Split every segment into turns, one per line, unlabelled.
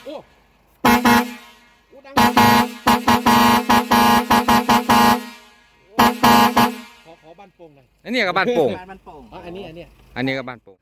อ้ดังขอบ้านโป่งหน่อย
อันนี้ก็บ้านโป่ง
อันนี้
ก็บ้านโป่ง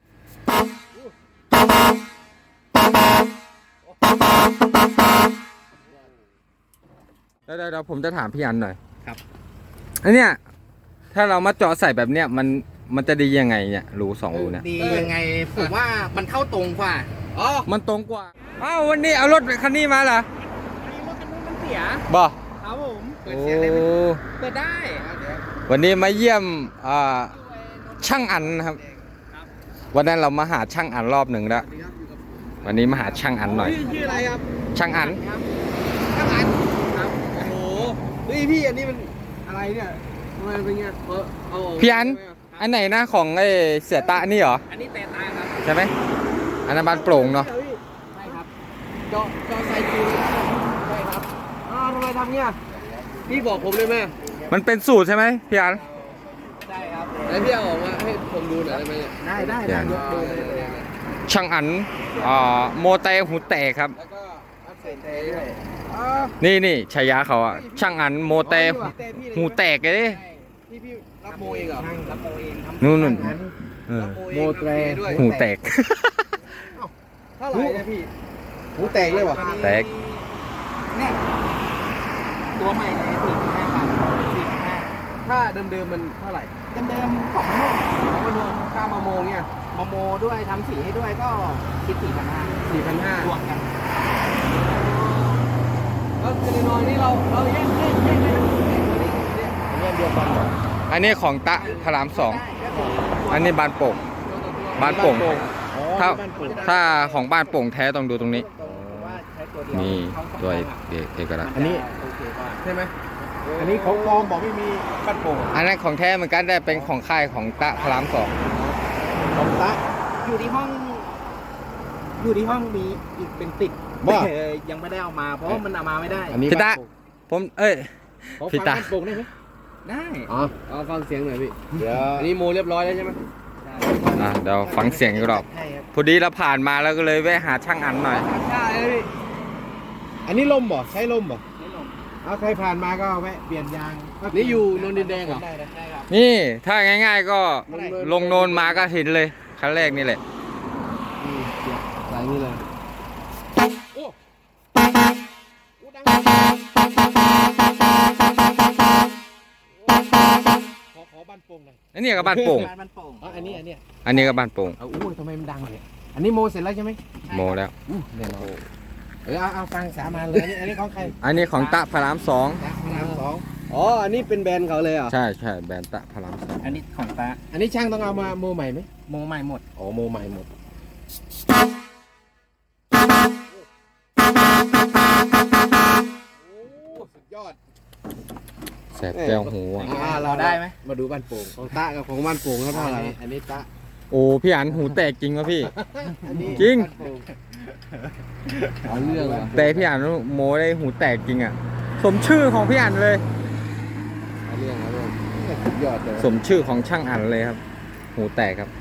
เดี๋ยวผมจะถามพี่อันหน่อย
ครับ
อันเนี้ยถ้าเรามาเจาะใส่แบบเนี้ยมันจะดียังไงเนี่ยรูสองรูเนี่ย
ดียังไงผมว่ามันเข้าตรงกว่า
มันตรงกว่าอ้าววันนี้เอารถคันนี้มาเหรอ
รถคันนู้นมันเสีย
บ่
ครับผม
โอ้
เปิดได้
วันนี้มาเยี่ยมช่างอันนะครับวันนั้นเรามาหาช่างอันรอบหนึ่งแล้ววันนี้มาหาช่างอันหน่อย
ชื่ออะไรครับ
ช่างอัน
ครับโอ้โหพี่อันนี้มันอะไรเนี่ยทำไมเป็นเงี้ย
พี่อันไหนนะของไอ้เสียตะนี่เหรอ
อันนี้แต่ตาครับ
ใช่ไหมอันนั้นบ้านโปร่งเนาะ
ใช่ครับเจาะใส่ปูนใช่ครับทำไมทำเงี้ยพี่บอกผมเลยไหม
มันเป็นสูตรใช่ไหมพี่อัน
ใช่ครับแล้วพี่เอาออกมาให้ผมดูหน่อยได้ไหมได้ยกดูเลย
ช่างอันโมเตหูแตกครับ
แล้วก็ใส่เตด้วย
นี่ฉายาเขาอะช่างอันโมเตหูแตกเลย
พี่รับโมเองเหรอรับโมเอง
นู่น
โมเต
หูแตก
เท่าไหร่เนี่ยพี่หูแตกเลยวะ
แตก
เนี่ยตัวใหม่เลย45,000ถ้า
เดิมมันเท่าไหร่
เดิมของ
มาโมค่ามาโมเนี่ย
มาโมด้วยทำสีให้ด้วยก็คิด4,500รวมกัน
ก็คือน้อยนี่เราแยกเดียวกัน
อันนี้ของตะพระราม2อันนี้บ้านโป่งถ้าของบ้านโป่งแท้ต้องดูตรงนี้นี่ตัวเอกลักษณ์
อันนี้ใช่ไหมอันนี้ของปลอมบอกไม่มีบ้านโป่ง
อันนั้นของแท้เหมือนกันได้เป็นของค่ายของตะพระราม2
ของตะ
อยู่ที่ห้องมีอีกเป็นติดยังไม่ได้เอามาเพราะมันเอามาไม่ได้
พี่ตะผมพี่ตา
โป่งได้ไหม
ได้
ฟังเสียงหน่อยพี่เดี๋ยวอันนี้โมเรียบร้อยแล้วใช่ไหม
เดี๋ยวฟังเสียงอีกรอบพอดีเราผ่านมาแล้วก็เลยแวะหาช่างอันหน่อย
ใช่พี่อันนี้ลมบ่ใช้ลมบ่ใครผ่านมาก็แวะเปลี่ยนยางนี่อยู่นนดินแดงเหรอ
นี่ถ้าง่ายๆก็ลงโนนมาก็เห็นเลยครั้งแรกนี่แหละ
ใส่นี่เลยขอบ้านโป่งหน่อย
อันนี้ก็บ้านโป่ง
อัน
นี้ก็บ้านโป่ง
ทำไมมันดังเนี่ยอันนี้โมเสร็จแล้วใช่ไหม
โมแล้ว
เอาฟังสามาเลยอันนี้ของใคร
อันนี้ของตะพระราม2
อันนี้เป็นแบรนด์เขาเลยเหรอ
ใช่แบรนด์ตะพระราม2
อันนี้ของตะ
อันนี้ช่างต้องเอามาโมใหม่ไหม
โมใหม่หมด
โมใหม่หมดสุดยอด
แสบแก้วหู
เราได้ไหม
มาดูบ้านโป่งของตะกับของบ้านโป่งเท่าไหร่อันนี้ตะ
โอ้พี่อันหูแตกจริงวะพี่จริง
เรื่อง
แต่พี่อันโมได้หูแตกจริงอ่ะสมชื่อของพี่อันเลย
เรื่องสุดยอดเลย
สมชื่อของช่างอันเลยครับหูแตกครับ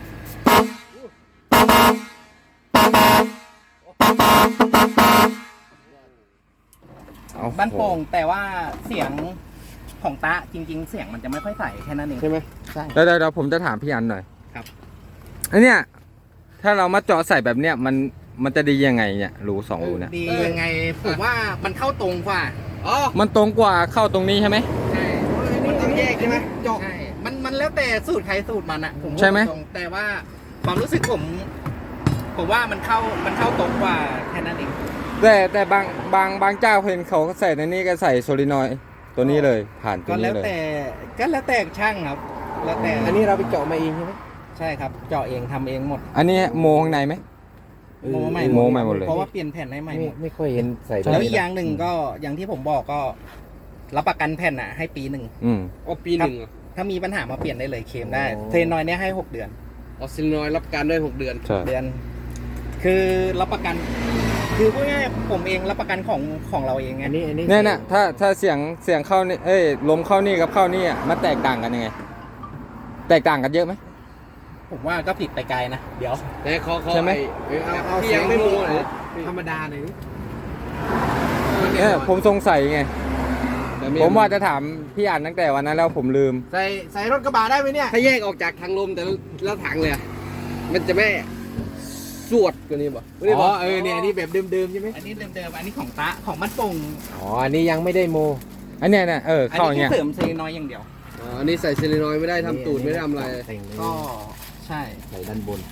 บ้านโป่งแต่ว่าเสียงของตะจริงๆเสียงมันจะไม่ค่อยใสแค่นั้นเอง
ใช่ไหม
ใช่เดี๋ยวผมจะถามพี่อันหน่อย
ครับ
อันเนี้ยถ้าเรามาเจาะใส่แบบเนี้ยมันจะดียังไงเนี่ยรูสองรูเนี่ย
ดียังไงผมว่ามันเข้าตรงกว่า
มันตรงกว่าเข้าตรงนี้ใช่ไหม
ใช่
มันต้องแยกใช่ไหมเจาะ
มันแล้วแต่สูตรใครสูตรมันอ่ะ
ใช่ไหม
แต่ว่าความรู้สึกผมว่ามันเข้าตรงกว่าแค่นั้นเอง
แต่บางเจ้าเห็นเขาใส่ในนี้ก็ใส่โซลินอยด์ตัวนี้เลยผ่านตัวนี้เลย
ก็แล้วแต่ช่างครับแล้วแต่
อันนี้เราไปเจาะมาเองใช่ไหม
ใช่ครับเจาะเองทำเองหมด
อันนี้โมข้างในไหม
โมใหม่
หมดเลย
เพราะว่าเปลี่ยนแผ่นให้ใหม่
ไม่ค่อยเห็นใส่
แล้วอีกอย่างหนึ่งก็อย่างที่ผมบอกก็รับประกันแผ่นให้ปี1
ปี1
ถ้ามีปัญหามาเปลี่ยนได้เลยเคลมได้เทรนนอยเนี่ยให้6 เดือน
ซิลนอยรับประกันได้6 เดือน
คือรับประกันคือพูดง่ายผมเองรับประกันของเราเองไง
เนี่ยถ้าเสียงเข้านี่ลมเข้านี่กับเข้านี่มันแตกต่างกันยังไงแตกต่างกันเยอะไหม
ผมว่าก็ผิดไปไกลนะ เดี๋ยว
แต่เขา
ใช่ไหม
เอาที่ยังไม่โมหน่อยธรรมดาหน่อย
เนี่ยผมสงสัยไง ผมว่าจะถามพี่อันตั้งแต่วันนั้นแล้วผมลืม
ใส่รถกระบะได้ไหมเนี่ยถ้าแยกออกจากทางลมแต่แล้วถังเลยอะมันจะไม่สวดกว่านี้ป่ะอ๋อเนี่ยอันนี้แบบเดิมๆใช่ไหม
อันนี้เดิมๆอันนี้ของตะของมันปุ่ง
อ๋ออันนี้ยังไม่ได้โม
อันเนี้ยนะ
อัน
เข้าอ
นี้
ย่างเงี้ย
แค่เสริมเซน้อยอย่างเดียว
อ๋ออันนี้ใส่เซเลนอยด์ไม่ได้ทำตูดไม่ได้ทำอะไร
ก็ใช่
ใส่ด้านบน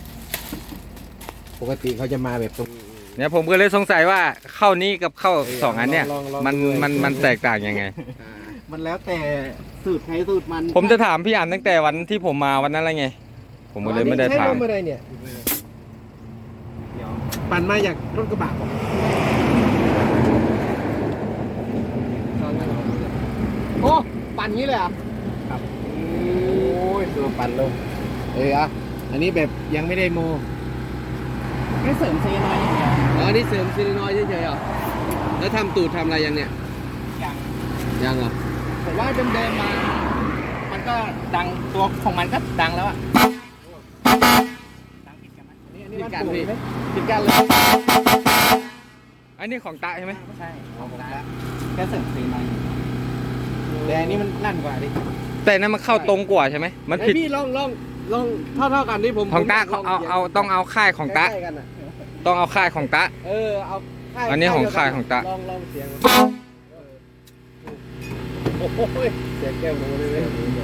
ปกติเขาจะมาแบบตรง
เนี่ยผมก็เลยสงสัยว่าเข้านี้กับเข้าสองอันเนี่ย
ลอง
มันแตกต่างยังไง
มันแล้วแต่สูตรใครสูตรมัน
ผมจะถามพี่อันตั้งแต่วันที่ผมมาวันนั้นอะไรไง ผมก็เลยไม่ได้ถาม
ใช้ลอะไรเนี่ย
เดี๋ยว
ปั่นมาจากรถกระบะบอกโอ้ปั่นงี้เลยอ่ะ
ครับ
โอ้ยตัวปั่นลงอ่ะอันนี้แบบยังไม่ได้โม
แค่เสริมเซน้อยอย่างเดียว
อ๋ออันนี้เสริมเซเลนอยด์เฉยๆเหรอแล้วทำตูดทำอะไรยังเนี่ย
อย่าง
ยังเหรอ
ผมว่าเดิมๆมา มันก็ดังตัวของมันก็ดังแล้วอะดังผิดกันไหม
ผิดกันพี่ผิดกันเลย
อันนี้ของตะใช่ไหม
ใช่ของตะแค่เสริมเซน้อย
แต่อันนี้มันลั่นกว่าดิ
แต่นั้นมันเข้าตรงกว่าใช่ไหมมันผิด
พี่ลองเท่ากันนี่ผม
ของตะ
ผมล
เอาต้องเอาค่ายของตะ
ใกล้ๆกันอะ
ต้องเอาค่ายของตะ
เอาค่าย
อันนี้ของค่ายของตะ
ลองเสียงโอ้โหเสียงแก้วลงเลย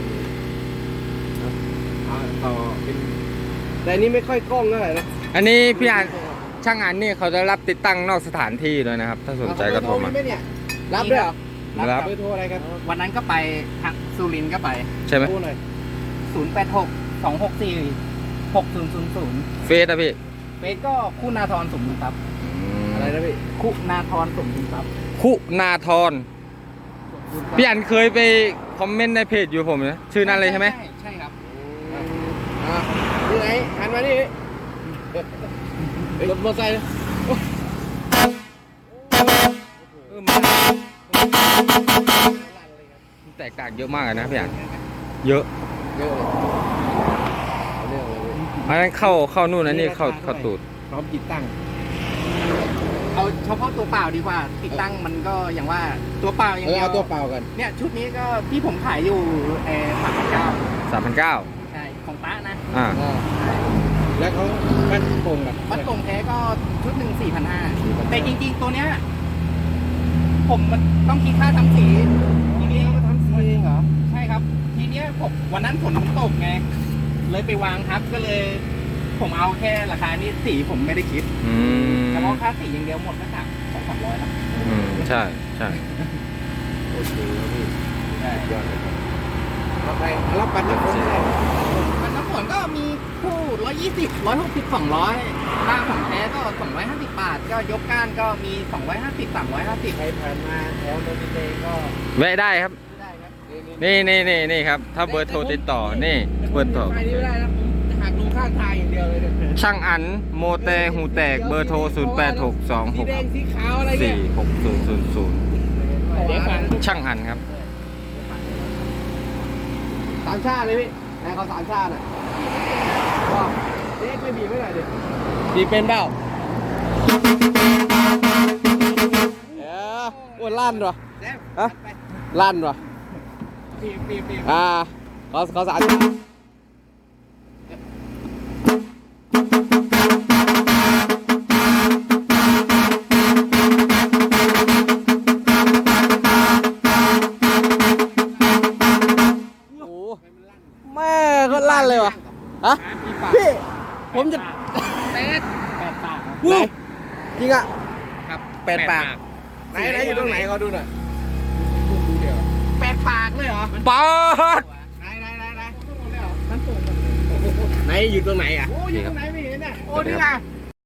ต่อเป็นแต่อันนี้ไม่ค่อยกล้องเท่าไหร่นะ
อันนี้พี่อันช่างอันนี่เขาจะรับติดตั้งนอกสถานที่ด้วยนะครับ ถ้าสนใจก็โทรมา
เอเบอร์ไหเนี่ยรับด้วยเหรอ
รับ
เบอร์โทรอะไรครับ
วันนั้นก็ไปทางสุรินทร์ก็ไป
ใช่ไหม
โทรหน่อย
086 264 6000
เฟซอะพี่
เฟซก็คุณาธรสมบูรณ์ทรัพย์
อะไรนะพี่
คุณาธรสมบูรณ์ทรัพย์
คุณาธรพี่อันเคยไปคอมเมนต์ในเพจอยู่ผมนะชื่อนั้นเลยใช่ไหม
ใช่ครับ
นี่ไหนหันมานี่รถมอเตอร์ไซค์
มันแตกต่างเยอะมากเลยนะพี่อันเยอะ
เยอะเลยเรื่องเลย
อันนั้นเข้านู่นอันนี้เข้าตูด
พร้อมติดตั้ง
เอาเฉพาะตัวเปล่าดีกว่า ติดตั้งมันก็อย่างว่าตัวเปล่าอย่างเดียว
เอาตัวเปล่ากัน
เนี่ยชุดนี้ก็ที่ผมขายอยู่3,900
3,900
ใช่ของตะนะ
อ่า
แล้วเขามันโป่งแบบ
วัดตรงแท้ก็ชุดหนึ่ง4,500แต่จริงๆตัวเนี้ยผมมันต้องคิดค่าทำสีทีนี้
ทำสีเองเหรอ
ใช่ครับ ทีเนี้ยผมวันนั้นฝนมันตกไงเลยไปวางทับก็เลย ผมเอาแค่ราคานี้สีผมไม่ได้คิด
อืม
เฉพาะค่าสีอย่างเดียวหมดก็200-300แล้ว
อืมใช่ใช่
โอเคครับพี่
ใช่
ยอดเลยแล้วใครรับปันน้ำฝนได้
มันน้ำฝนก็มีคู่120 160 200ค่าของแท้ก็250 บาท ก็ยกก้านก็มี250 350
ใครผ่านมาแถวโนนดินแดงก็
แวะได้ครับ
ได้ครับ
นี่ครับ ถ้าเบอร์โทรติดต่อนี่เบอร์โทร
ไปนี่ไม่ได้นะผมจะหักลงข้างทางอย่างเดียวเลยเนี่ย
ช่างอันโมเตหูแตกเบอร์โทร
สีแดง
0862646000
สีขาวอะไรเนี่ย
เดี๋ยวฟัง
ช่างอันครับ
สามชาติเลยพี่นายเขาสามชาติอ่ะก็เด็กไม่บีบไม่หน่อยดิบีบเป็นเปล่าโอ้ลั่นเหรอฮะลั่นเหรอ
ปีบ
เขาสามชาติแม่ก็ลั่นเลยวะฮะพี่ผมจะ
8 ปาก
วู้จริงอ่ะ
ครับ
8 ปากไหนอยู่ตรงไหนเขาดูหน่อย
8 ปากเลยเหรอ
ป๊าด
ไหนมันสูง
ไหนอยู่ตรงไหนอ่ะ
โอ้อยู่ตรงไหนไม่เห็นอ่ะโอ้นี่ไง